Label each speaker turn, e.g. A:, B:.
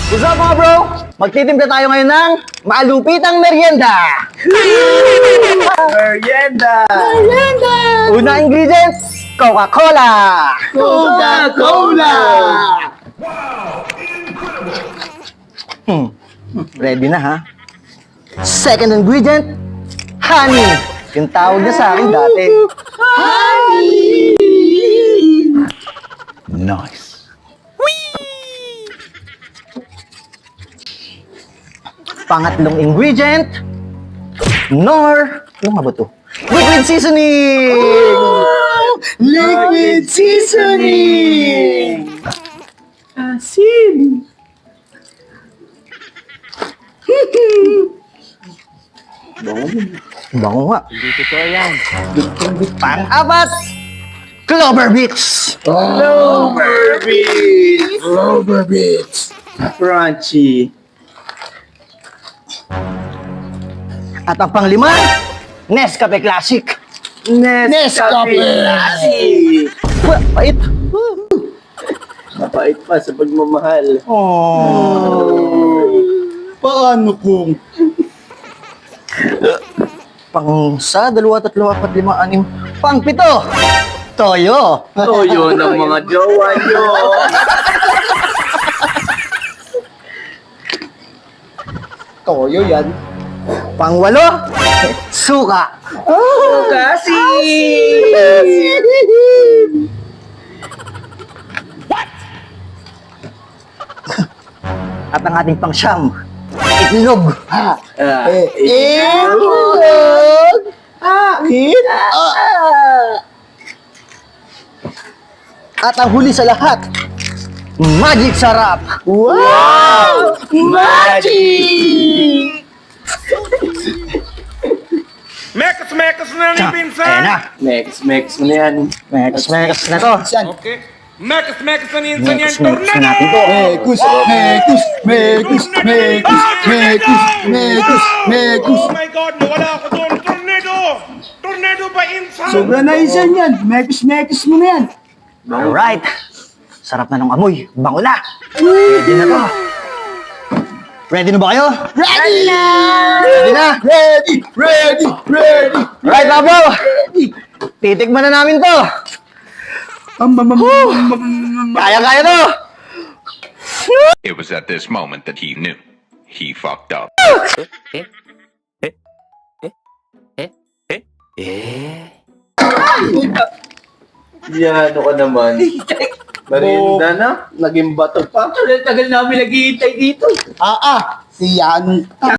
A: What's up mga bro? Magtitimpla tayo ngayon ng malupitang merienda!
B: Merienda!
A: Una ingredient, Coca-Cola!
B: Coca-Cola!
A: Ready na ha? Second ingredient, honey! Yung tawag niya sa akin dati.
B: Nice.
A: Pangatlong ingredient, ano nga ba to? Liquid seasoning!
B: Liquid seasoning! Asin!
A: Bango nga.
B: Hindi totoo yan.
A: Pang-apat, Clover Beats!
B: Clover Beats! Clover Beats! Crunchy.
A: At ang panglima, Nescafe Classic!
B: Nescafe Classic!
A: Pait!
B: Mapait pa sa pagmamahal.
A: Oh.
B: Paano kung?
A: Pang sa, 2, 3, 4, 5, 6, pang 7, Toyo!
B: Toyo ng mga jowa nyo. Toyo yan.
A: Pang 8, Suka!
B: Kasi!
A: At ang ating pang 9, Itlog!
B: Itlog! Akin?
A: At ang huli sa lahat, Magic Sarap!
B: Wow! Magic!
C: Mekas na ni
A: Ayan
C: Pinsan!
A: na!
B: Next mo na yan.
A: Mekas na to!
C: Okay. Mekas na ni Insan yan,
A: Mekas na
C: tornado!
A: natin to!
C: Oh my God, nawala ako doon! Tornado! Tornado ba, Insan?
D: Sobra na isan yan. Mekis mo na yan.
A: Alright! Sarap na ng amoy, bango na! Ready na to! Ready na ba kayo?
D: Ready na!
A: Ready na!
D: Ready!
A: Alright mga bro! Titikman na namin to! Kaya to!
E: It was at this moment that he knew. He fucked up.
B: Yan, ano ka naman? Merienda na? Naging bato pa?
D: Tagal namin naghihintay dito. Si Yan.